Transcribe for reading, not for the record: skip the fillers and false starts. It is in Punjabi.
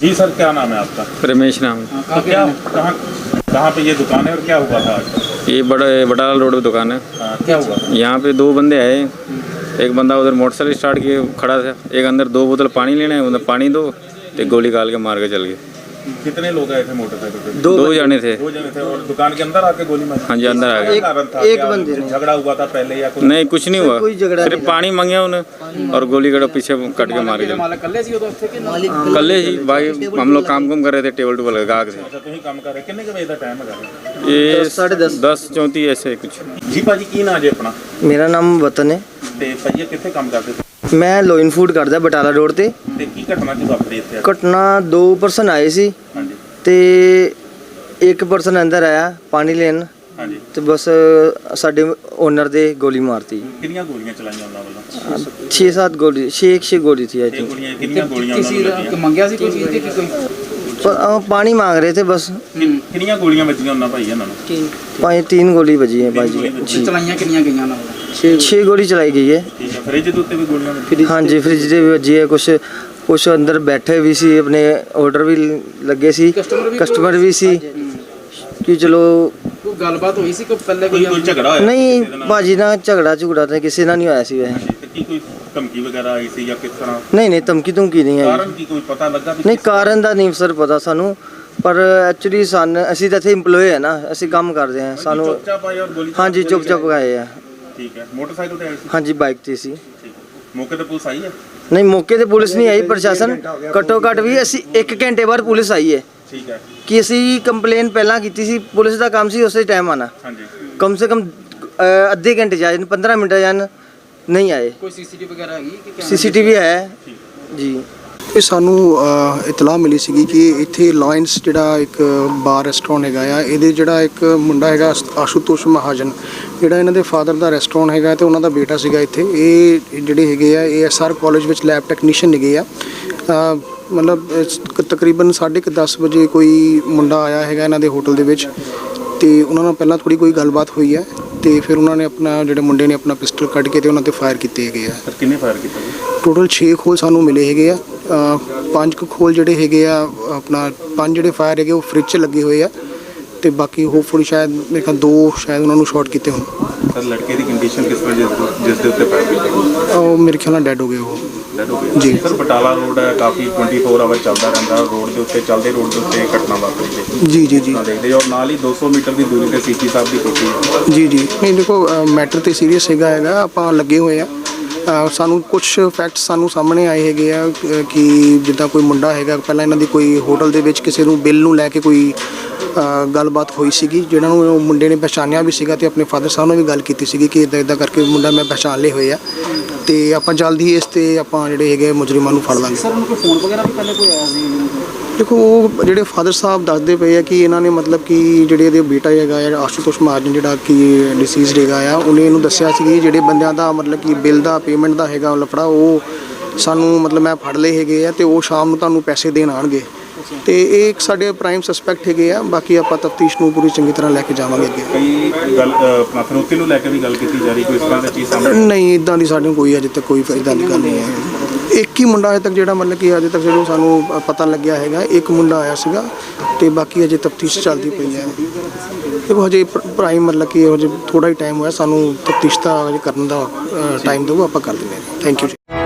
जी सर, क्या नाम है आपका? रमेश नाम है। तो क्या कहाँ पे ये दुकान है और क्या हुआ था आज? ये बटाला रोड पे दुकान है। क्या हुआ? यहाँ पे दो बंदे आए, एक बंदा उधर मोटरसाइकिल स्टार्ट किए खड़ा था, एक अंदर 2 बोतल पानी लेने, उधर पानी दो, तो गोली काल के मार के चल गए। कितने लोग आए थे मोटरसाइकिल पे? दो जने थे। 2 जने थे और दुकान के अंदर आके गोली मारी? हाँ जी, अंदर आ गए। कारण था? एक क्या बंदे ने। झगड़ा हुआ था पहले या कुछ? नहीं, कुछ नहीं हुआ, कोई झगड़ा सिर्फ नहीं पानी मांगे उन्हें और गोली कड़ा पीछे कट के मार के चल। कल ही भाई हम लोग काम कर रहे थे, टेबल टूबल गाहक से। अच्छा, ਤੁਸੀਂ ਕੰਮ ਕਰ ਰਹੇ ਕਿੰਨੇ ਕੁ ਵਜੇ ਦਾ ਟਾਈਮ ਹੈਗਾ? ये 10:30 10:34 ऐसे कुछ। ਜੀ ਭਾਜੀ, ਕੀ ਨਾਂ ਜੇ ਆਪਣਾ? ਮੇਰਾ ਨਾਮ ਵਤਨ ਹੈ। ਤੇ ਭਾਈ ਇਹ ਕਿੱਥੇ ਕੰਮ ਕਰਦੇ? ਮੈਂ ਲੋਇਨ ਫੂਡ ਕਰਦਾ ਬਟਾਲਾ ਰੋਡ ਤੇ। ਤੇ ਕੀ ਘਟਨਾ ਚ ਵਾਪਰੀ ਇੱਥੇ? ਘਟਨਾ 2 ਪਰਸਨ ਆਏ ਸੀ ਹਾਂਜੀ ਤੇ ਇੱਕ ਪਰਸਨ ਅੰਦਰ ਆਇਆ ਪਾਣੀ ਲੈਣ ਹਾਂਜੀ। ਤੇ ਬਸ ਸਾਡੇ ਓਨਰ ਦੇ ਗੋਲੀ ਮਾਰਤੀ। ਕਿੰਨੀਆਂ ਗੋਲੀਆਂ ਚਲਾਈਆਂ ਉਹਨਾਂ ਵੱਲੋਂ? 6-7 ਗੋਲੀ 6 ਗੋਲੀ ਸੀ ਆਈ ਇਹ ਥਿੰਕ। ਗੋਲੀਆਂ ਕਿੰਨੀਆਂ ਗੋਲੀਆਂ ਉਹਨਾਂ ਨੂੰ ਲੱਗੀਆਂ? ਮੰਗਿਆ ਸੀ ਕੋਈ ਚੀਜ਼ ਦੀ ਕਿ ਕੋਈ ਪਾਣੀ ਮੰਗ ਰਹੇ ਥੇ ਬਸ। ਕਿੰਨੀਆਂ ਗੋਲੀਆਂ ਵੱਜੀਆਂ ਉਹਨਾਂ ਭਾਈ ਇਹਨਾਂ ਨੂੰ? 3 ਗੋਲੀ ਵੱਜੀ ਹੈ ਭਾਈ ਗੋਲੀ ਜੀ। ਵੱਜੀ। ਚਲਾਈਆਂ ਕਿੰਨੀਆਂ ਗਈਆਂ ਉਹਨਾਂ ਵੱਲੋਂ? 6 ਗੋਲੀ ਚਲਾਈ ਗਈ ਹੈ। ਠੀਕ ਹੈ, ਫ੍ਰਿਜ ਦੇ ਉੱਤੇ ਵੀ ਗੋਲੀਆਂ ਵੱਜੀਆਂ? ਹਾਂਜੀ, ਫ੍ਰਿਜ ਦੇ ਵੀ ਵੱਜੀ ਹੈ। ਕੁਛ ਅੰਦਰ ਬੈਠੇ ਵੀ ਸੀ, ਆਪਣੇ ਆਰਡਰ ਵੀ ਲੱਗੇ ਸੀ, ਕਸਟਮਰ ਵੀ ਸੀ ਕਿ ਚਲੋ। ਕੋਈ ਗੱਲਬਾਤ ਹੋਈ ਸੀ ਕੋਈ ਪਹਿਲੇ ਕੋਈ ਝਗੜਾ ਹੋਇਆ? ਨਹੀਂ ਕਿਸੇ ਦੇ ਨਾਲ? ਭਾਜੀ ਨਾਲ ਝਗੜਾ ਤਾਂ ਕਿਸੇ ਨਾਲ ਨਹੀਂ ਹੋਇਆ ਸੀ ਵੈਸੇ। ਹਾਂਜੀ, ਤੇ ਕੀ ਕੋਈ ਧਮਕੀ ਵਗੈਰਾ ਆਈ ਸੀ ਜਾਂ ਕਿਸ ਤਰ੍ਹਾਂ? ਨਹੀਂ ਧਮਕੀ ਨਹੀਂ ਆਈ। ਕਾਰਨ ਕੀ ਕੋਈ ਪਤਾ ਲੱਗਾ ਵੀ ਨਹੀਂ, ਕਿਸ- ਕਾਰਨ ਦਾ ਨਹੀਂ ਸਰ ਪਤਾ ਸਾਨੂੰ, ਪਰ ਐਕਚੁਅਲੀ ਅਸੀਂ ਤਾਂ ਇੱਥੇ EMPLOYE ਹੈ ਨਾ, ਅਸੀਂ ਕੰਮ ਕਰਦੇ ਹਾਂ। ਸਾਨੂੰ ਚੁੱਪਚਾਪ ਆਏ ਔਰ ਗੋਲੀ ਹਾਂਜੀ ਚਲਾਈ? ਚੁੱਪ ਆਏ ਆ। ਠੀਕ ਹੈ, ਮੋਟਰਸਾਈਕਲ ਤੇ ਆਏ ਸੀ? ਹਾਂਜੀ, ਬਾਈਕ ਤੇ ਸੀ। ਠੀਕ ਹੈ। ਮੌਕੇ ਤੇ ਪੁਲਿਸ ਆਈ ਹੈ? ਨਹੀਂ, ਮੌਕੇ ਤੇ ਪੁਲਿਸ ਨਹੀਂ ਆਈ, ਪ੍ਰਸ਼ਾਸਨ ਘੱਟੋ ਘੱਟ ਵੀ ਅਸੀਂ 1 ਘੰਟੇ ਬਾਅਦ ਪੁਲਿਸ ਆਈ ਹੈ ਠੀਕ ਹੈ। ਕਿ ਅਸੀਂ ਕੰਪਲੇਨ ਪਹਿਲਾਂ ਕੀਤੀ ਸੀ। ਪੁਲਿਸ ਦਾ ਕੰਮ ਸੀ ਉਸੇ ਟਾਈਮ ਆਣਾ, ਹਾਂਜੀ ਕਮ ਸੇ ਕਮ ਅੱਧੇ ਘੰਟੇ ਜਾਣ 15 ਮਿੰਟ ਜਾਣ, ਨਹੀਂ ਆਏ। ਕੋਈ ਸੀਸੀਟੀਵੀ ਵਗੈਰਾ ਹੈਗੀ ਕਿ CCTV ਹੈ ਜੀ। ਇਹ ਸਾਨੂੰ ਇਤਲਾਹ ਮਿਲੀ ਸੀਗੀ ਕਿ ਇੱਥੇ ਲਾਇਨਸ ਜਿਹੜਾ ਇੱਕ ਬਾਰ ਰੈਸਟੋਰੈਂਟ ਹੈਗਾ ਆ, ਇਹਦੇ ਜਿਹੜਾ ਇੱਕ ਮੁੰਡਾ ਹੈਗਾ ਆਸ਼ੂਤੋਸ਼ ਮਹਾਜਨ, ਜਿਹੜਾ ਇਹਨਾਂ ਦੇ ਫਾਦਰ ਦਾ ਰੈਸਟੋਰੈਂਟ ਹੈਗਾ ਤੇ ਉਹਨਾਂ ਦਾ ਬੇਟਾ ਸੀਗਾ ਇੱਥੇ। ਇਹ ਜਿਹੜੇ ਹੈਗੇ ਆ ASR ਕਾਲਜ ਵਿੱਚ ਲੈਬ ਟੈਕਨੀਸ਼ੀਅਨ ਹੈਗੇ ਆ। ਮਤਲਬ ਤਕਰੀਬਨ 10:30 ਵਜੇ ਕੋਈ ਮੁੰਡਾ ਆਇਆ ਹੈਗਾ ਇਹਨਾਂ ਦੇ ਹੋਟਲ ਦੇ ਵਿੱਚ ਤੇ ਉਹਨਾਂ ਨਾਲ ਪਹਿਲਾਂ ਥੋੜੀ ਕੋਈ ਗੱਲਬਾਤ ਹੋਈ ਹੈ ਤੇ ਫਿਰ ਉਹਨਾਂ ਨੇ ਆਪਣਾ ਜਿਹੜੇ ਮੁੰਡੇ ਨੇ ਆਪਣਾ ਪਿਸਟਲ ਕੱਢ ਕੇ ਤੇ ਉਹਨਾਂ ਤੇ ਫਾਇਰ ਕੀਤੇ ਹੈਗੇ ਆ। ਸਰ, ਕਿੰਨੇ ਫਾਇਰ ਕੀਤਾ ਜੀ? ਟੋਟਲ 6 ਖੋਲ ਸਾਨੂੰ ਮਿਲੇ ਹੈਗੇ ਆ। 5 ਖੋਲ ਜਿਹੜੇ ਹੈਗੇ ਆ ਆਪਣਾ 5 ਜਿਹੜੇ ਫਾਇਰ ਹੈਗੇ ਉਹ ਫ੍ਰਿਜ 'ਚ ਲੱਗੇ ਹੋਏ ਆ ਤੇ ਬਾਕੀ ਹੋਪਫੁਲੀ ਸ਼ਾਇਦ ਮੇਰੇ ਖਿਆਲ 2 ਸ਼ਾਇਦ ਉਹਨਾਂ ਨੂੰ ਸ਼ਾਰਟ ਕੀਤੇ ਹੋਣ। ਸਰ, ਲੜਕੇ ਦੀ ਕੰਡੀਸ਼ਨ ਕਿਸ ਤਰ੍ਹਾਂ ਜਿਸ ਦੇ ਉੱਤੇ ਫਾਇਰ ਕੀਤਾ? ਉਹ ਮੇਰੇ ਖਿਆਲ ਨਾਲ ਡੈਡ ਹੋ ਗਏ ਉਹ। ਡੈਡ ਹੋ ਗਏ ਜੀ। ਸਰ, ਬਟਾਲਾ ਰੋਡ ਹੈ, ਕਾਫੀ 24 ਆਵਰ ਚੱਲਦਾ ਰਹਿੰਦਾ ਰੋਡ ਦੇ ਉੱਤੇ, ਚੱਲਦੇ ਰੋਡ ਦੇ ਉੱਤੇ ਘਟਨਾ ਵਾਪਰੀ ਹੈ। ਜੀ ਜੀ ਜੀ ਨਾ ਦੇਖਦੇ ਔਰ ਨਾਲ ਹੀ 200 ਮੀਟਰ ਦੀ ਦੂਰੀ ਤੇ CP ਸਾਹਿਬ ਦੀ ਕੋਠੀ ਹੈ। ਜੀ ਜੀ ਨਹੀਂ ਦੇਖੋ, ਮੈਟਰ ਤੇ ਸੀਰੀਅਸ ਹੈਗਾ ਆਪਾਂ ਲੱਗੇ ਹੋਏ ਆ। ਸਾਨੂੰ ਕੁਝ ਫੈਕਟਸ ਸਾਨੂੰ ਸਾਹਮਣੇ ਆਏ ਹੈਗੇ ਆ ਕਿ ਜਿੱਦਾਂ ਕੋਈ ਮੁੰਡਾ ਹੈਗਾ, ਪਹਿਲਾਂ ਇਹਨਾਂ ਦੀ ਕੋਈ ਹੋਟਲ ਦੇ ਵਿੱਚ ਕਿਸੇ ਨੂੰ ਬਿੱਲ ਨੂੰ ਲੈ ਕੇ ਕੋਈ ਗੱਲਬਾਤ ਹੋਈ ਸੀਗੀ, ਜਿਹਨਾਂ ਨੂੰ ਉਹ ਮੁੰਡੇ ਨੇ ਪਛਾਣਿਆ ਵੀ ਸੀਗਾ ਤੇ ਆਪਣੇ ਫਾਦਰ ਸਾਹਿਬ ਨਾਲ ਵੀ ਗੱਲ ਕੀਤੀ ਸੀਗੀ ਕਿ ਇਦਾਂ ਕਰਕੇ ਮੁੰਡਾ ਮੈਂ ਪਛਾਣ ਲਏ ਹੋਏ ਆ ਤੇ ਆਪਾਂ ਜਲਦੀ ਇਸ ਤੇ ਆਪਾਂ ਜਿਹੜੇ ਹੈਗੇ ਮੁਜਰਮਾਂ ਨੂੰ ਫੜ ਲਾਂਗੇ। ਸਰ ਉਹਨੂੰ ਕੋਈ ਫੋਨ ਵਗੈਰਾ ਵੀ ਪਹਿਲੇ ਕੋਈ ਆਇਆ ਸੀ? ਦੇਖੋ, ਉਹ ਜਿਹੜੇ ਫਾਦਰ ਸਾਹਿਬ ਦੱਸਦੇ ਪਏ ਆ ਕਿ ਇਹਨਾਂ ਨੇ ਮਤਲਬ ਕਿ ਜਿਹੜੇ ਇਹਦੇ ਬੇਟਾ ਹੈਗਾ ਆ ਆਸ਼ੂਤੋਸ਼ ਮਹਾਜਨ, ਜਿਹੜਾ ਕਿ ਡਿਸੀਜ਼ਡ ਹੈਗਾ ਆ, ਉਹਨੇ ਇਹਨੂੰ ਦੱਸਿਆ ਸੀ ਕਿ ਜਿਹੜੇ ਬੰਦਿਆਂ ਦਾ ਮਤਲਬ ਕਿ ਬਿੱਲ ਦਾ ਪੇਮੈਂਟ ਦਾ ਹੈਗਾ ਲਫੜਾ, ਉਹ ਸਾਨੂੰ ਮਤਲਬ ਮੈਂ ਫੜ ਲਏ ਹੈਗੇ ਆ ਤੇ ਉਹ ਸ਼ਾਮ ਨੂੰ ਤੁਹਾਨੂੰ ਪੈਸੇ ਦੇਣ ਆਉਣਗੇ ਤੇ ਇਹ ਇੱਕ ਸਾਡੇ ਪ੍ਰਾਈਮ ਸਸਪੈਕਟ ਹੈਗੇ ਆ। ਬਾਕੀ ਆਪਾਂ ਤਫਤੀਸ਼ ਨੂੰ ਪੂਰੀ ਚੰਗੀ ਤਰ੍ਹਾਂ ਲੈ ਕੇ ਜਾਵਾਂਗੇ ਅੱਗੇ। ਕਈ ਗੱਲ ਆਪਣਾ ਫਿਰੋਤੀ ਨੂੰ ਲੈ ਕੇ ਵੀ ਗੱਲ ਕੀਤੀ ਜਾ ਰਹੀ, ਕੋਈ ਇਸ ਤਰ੍ਹਾਂ ਦੀ ਚੀਜ਼ ਸਾਹਮਣੇ? ਨਹੀਂ, ਇਦਾਂ ਦੀ ਸਾਡੇ ਕੋਈ ਅਜੇ ਤੱਕ ਕੋਈ ਇੱਦਾਂ ਦੀ ਗੱਲ ਨਹੀਂ ਹੈ। ਇੱਕ ਹੀ ਮੁੰਡਾ ਅਜੇ ਤੱਕ ਜਿਹੜਾ ਮਤਲਬ ਕਿ ਅਜੇ ਤੱਕ ਜਿਹੜਾ ਸਾਨੂੰ ਪਤਾ ਲੱਗਿਆ ਹੈਗਾ, ਇੱਕ ਮੁੰਡਾ ਆਇਆ ਸੀਗਾ ਤੇ ਬਾਕੀ ਅਜੇ ਤਫਤੀਸ਼ ਚੱਲਦੀ ਪਈ ਹੈ। ਦੇਖੋ, ਹਜੇ ਪ੍ਰਾਈਮ ਮਤਲਬ ਕਿ ਹਜੇ ਥੋੜਾ ਹੀ ਟਾਈਮ ਹੋਇਆ, ਸਾਨੂੰ ਤਫਤੀਸ਼ ਦਾ ਹਜੇ ਕਰਨ ਦਾ ਟਾਈਮ ਦਿਓ, ਆਪਾਂ ਕਰ ਦਿੰਦੇ ਹਾਂ। ਥੈਂਕ ਯੂ ਜੀ।